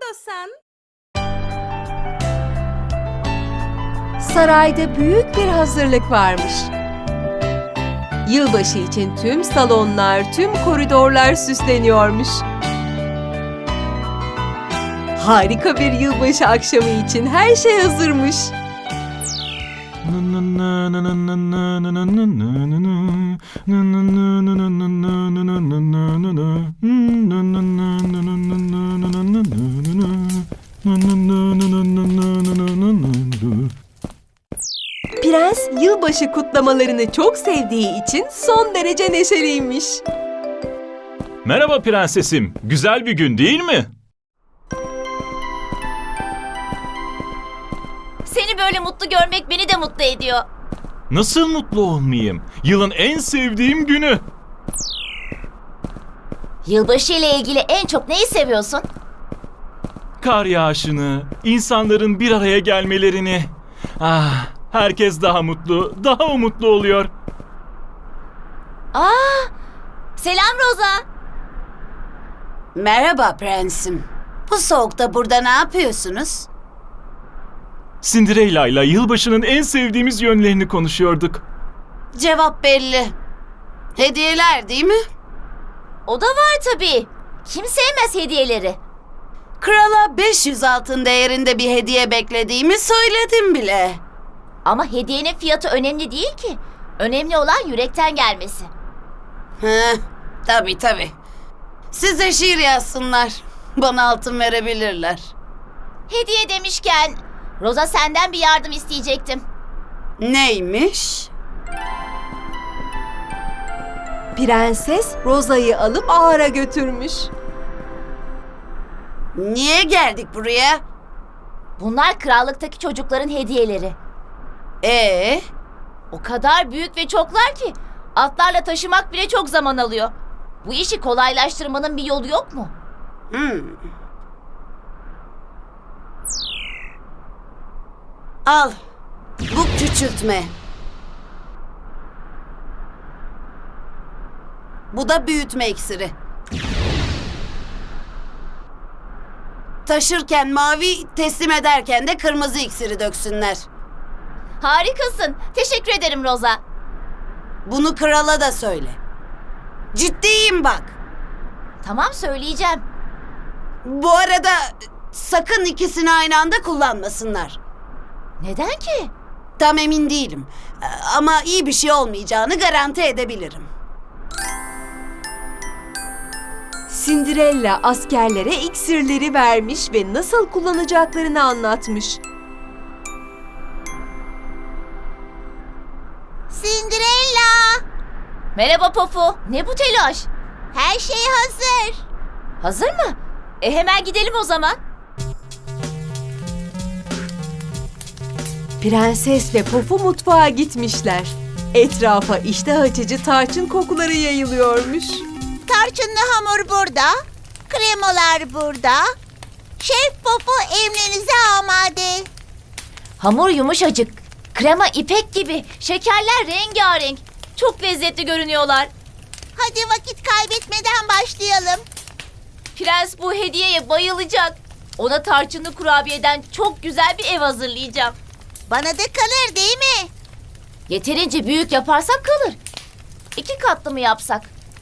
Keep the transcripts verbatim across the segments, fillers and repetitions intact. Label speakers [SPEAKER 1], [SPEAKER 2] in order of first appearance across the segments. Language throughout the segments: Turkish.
[SPEAKER 1] yapıyorsun?
[SPEAKER 2] Sarayda büyük bir hazırlık varmış. Yılbaşı için tüm salonlar, tüm koridorlar süsleniyormuş. Harika bir yılbaşı akşamı için her şey hazırmış. Prens yılbaşı kutlamalarını çok sevdiği için son derece neşeliymiş.
[SPEAKER 3] Merhaba prensesim. Güzel bir gün değil mi?
[SPEAKER 4] Seni böyle mutlu görmek beni de mutlu ediyor.
[SPEAKER 3] Nasıl mutlu olmayayım? Yılın en sevdiğim günü.
[SPEAKER 4] Yılbaşı ile ilgili en çok neyi seviyorsun?
[SPEAKER 3] Kar yağışını, insanların bir araya gelmelerini. Ah, herkes daha mutlu, daha umutlu oluyor.
[SPEAKER 4] Aa, selam Rosa.
[SPEAKER 1] Merhaba prensim. Bu soğukta burada ne yapıyorsunuz?
[SPEAKER 3] Cinderella ile yılbaşının en sevdiğimiz yönlerini konuşuyorduk.
[SPEAKER 1] Cevap belli. Hediyeler değil mi?
[SPEAKER 4] O da var tabii. Kim sevmez hediyeleri?
[SPEAKER 1] Krala beş yüz altın değerinde bir hediye beklediğimi söyledim bile.
[SPEAKER 4] Ama hediyenin fiyatı önemli değil ki. Önemli olan yürekten gelmesi.
[SPEAKER 1] Heh, tabii tabii. Size şiir yazsınlar. Bana altın verebilirler.
[SPEAKER 4] Hediye demişken Rosa senden bir yardım isteyecektim.
[SPEAKER 1] Neymiş?
[SPEAKER 2] Prenses Rosa'yı alıp ahıra götürmüş.
[SPEAKER 1] Niye geldik buraya?
[SPEAKER 4] Bunlar krallıktaki çocukların hediyeleri.
[SPEAKER 1] Ee,
[SPEAKER 4] O kadar büyük ve çoklar ki atlarla taşımak bile çok zaman alıyor. Bu işi kolaylaştırmanın bir yolu yok mu?
[SPEAKER 1] hmm. Al. Bu küçültme. Bu da büyütme iksiri. Taşırken mavi, teslim ederken de kırmızı iksiri döksünler.
[SPEAKER 4] Harikasın. Teşekkür ederim Rosa.
[SPEAKER 1] Bunu krala da söyle. Ciddiyim bak.
[SPEAKER 4] Tamam, söyleyeceğim.
[SPEAKER 1] Bu arada sakın ikisini aynı anda kullanmasınlar.
[SPEAKER 4] Neden ki?
[SPEAKER 1] Tam emin değilim. Ama iyi bir şey olmayacağını garanti edebilirim.
[SPEAKER 2] Cinderella askerlere iksirleri vermiş ve nasıl kullanacaklarını anlatmış.
[SPEAKER 4] Cinderella! Merhaba Pofu. Ne bu telaş? Her şey hazır. Hazır mı? E hemen gidelim o zaman.
[SPEAKER 2] Prenses ve Pofu mutfağa gitmişler. Etrafa iştah açıcı tarçın kokuları yayılıyormuş.
[SPEAKER 5] Tarçınlı hamur burada, kremalar burada. Şef Pofu emrinize amade.
[SPEAKER 4] Hamur yumuşacık. Krema ipek gibi. Şekerler rengarenk. Çok lezzetli görünüyorlar.
[SPEAKER 5] Hadi vakit kaybetmeden başlayalım.
[SPEAKER 4] Prens bu hediyeye bayılacak. Ona tarçınlı kurabiyeden çok güzel bir ev hazırlayacağım.
[SPEAKER 5] Bana da kalır değil mi?
[SPEAKER 4] Yeterince büyük yaparsak kalır. İki katlı mı yapsak?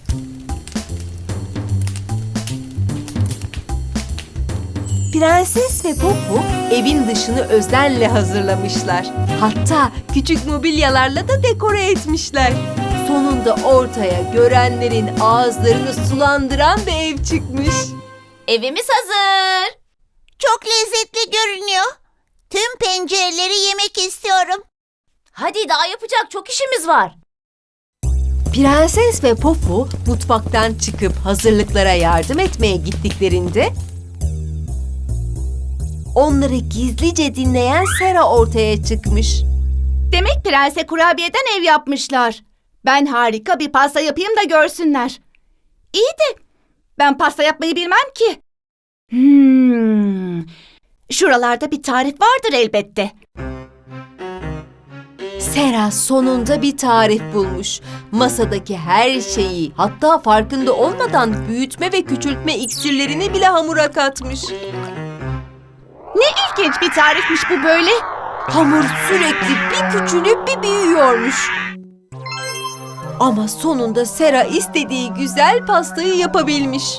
[SPEAKER 2] Prenses ve Pofu evin dışını özenle hazırlamışlar. Hatta küçük mobilyalarla da dekore etmişler. Sonunda ortaya görenlerin ağızlarını sulandıran bir ev çıkmış.
[SPEAKER 4] Evimiz hazır.
[SPEAKER 5] Çok lezzetli görünüyor. Tüm pencereleri yemek istiyorum.
[SPEAKER 4] Hadi, daha yapacak çok işimiz var.
[SPEAKER 2] Prenses ve Pofu mutfaktan çıkıp hazırlıklara yardım etmeye gittiklerinde onları gizlice dinleyen Sera ortaya çıkmış.
[SPEAKER 6] Demek prense kurabiyeden ev yapmışlar. Ben harika bir pasta yapayım da görsünler. İyi de ben pasta yapmayı bilmem ki. Hmm. Şuralarda bir tarif vardır elbette.
[SPEAKER 2] Sera sonunda bir tarif bulmuş. Masadaki her şeyi, hatta farkında olmadan büyütme ve küçültme iksirlerini bile hamura katmış.
[SPEAKER 6] Ne ilginç bir tarifmiş bu böyle.
[SPEAKER 2] Hamur sürekli bir küçülüp bir büyüyormuş. Ama sonunda Sera istediği güzel pastayı yapabilmiş.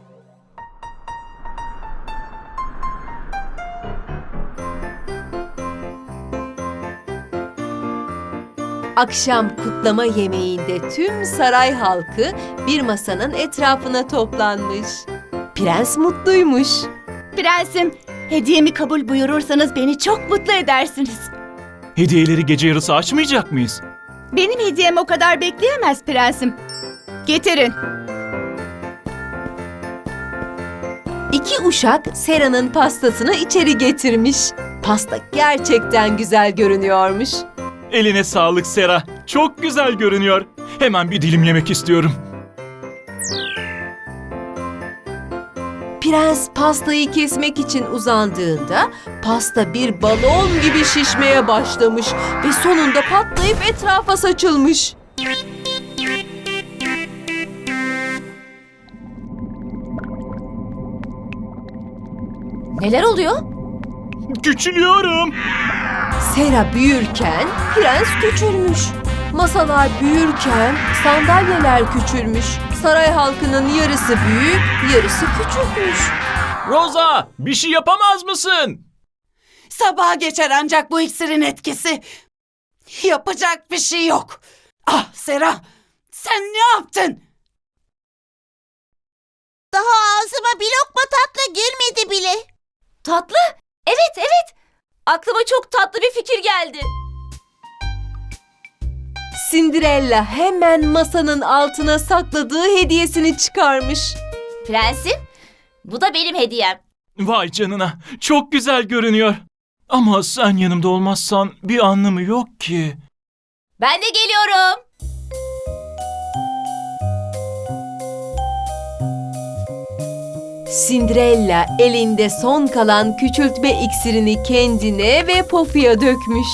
[SPEAKER 2] Akşam kutlama yemeğinde tüm saray halkı bir masanın etrafına toplanmış. Prens mutluymuş.
[SPEAKER 6] Prensim, hediyemi kabul buyurursanız beni çok mutlu edersiniz.
[SPEAKER 3] Hediyeleri gece yarısı açmayacak mıyız?
[SPEAKER 6] Benim hediyem o kadar bekleyemez prensim. Getirin.
[SPEAKER 2] İki uşak Sera'nın pastasını içeri getirmiş. Pasta gerçekten güzel görünüyormuş.
[SPEAKER 3] Eline sağlık Sera. Çok güzel görünüyor. Hemen bir dilim yemek istiyorum.
[SPEAKER 2] Prens pastayı kesmek için uzandığında pasta bir balon gibi şişmeye başlamış ve sonunda patlayıp etrafa saçılmış.
[SPEAKER 4] Neler oluyor?
[SPEAKER 3] Küçülüyorum.
[SPEAKER 2] Sera büyürken prens küçülmüş. Masalar büyürken sandalyeler küçülmüş. Saray halkının yarısı büyük, yarısı küçülmüş.
[SPEAKER 3] Rosa, bir şey yapamaz mısın?
[SPEAKER 1] Sabaha geçer ancak bu iksirin etkisi. Yapacak bir şey yok. Ah Sera, sen ne yaptın?
[SPEAKER 5] Daha ağzıma bir lokma tatlı girmedi bile.
[SPEAKER 4] Tatlı? Evet, evet. Aklıma çok tatlı bir fikir geldi.
[SPEAKER 2] Cinderella hemen masanın altına sakladığı hediyesini çıkarmış.
[SPEAKER 4] Prensim, bu da benim hediyem.
[SPEAKER 3] Vay canına, çok güzel görünüyor. Ama sen yanımda olmazsan bir anlamı yok ki.
[SPEAKER 4] Ben de geliyorum.
[SPEAKER 2] Cinderella elinde son kalan küçültme iksirini kendine ve Pofu'ya dökmüş.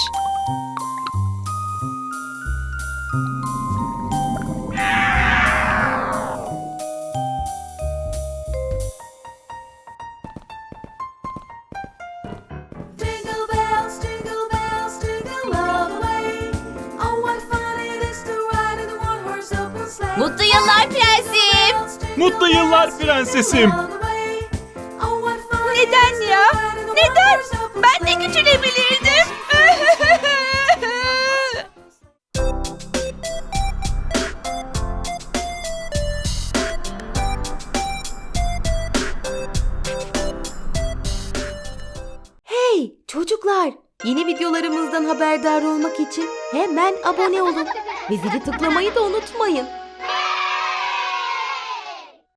[SPEAKER 7] Jingle bells, jingle bells, jingle all the way. Oh, what fun it is to ride in a one-horse open sleigh.
[SPEAKER 4] Mutlu yıllar prensim.
[SPEAKER 3] Mutlu yıllar prensesim.
[SPEAKER 6] Neden ya? Neden? Ben de küçülebilirdim.
[SPEAKER 2] Hey çocuklar! Yeni videolarımızdan haberdar olmak için hemen abone olun ve zili tıklamayı da unutmayın.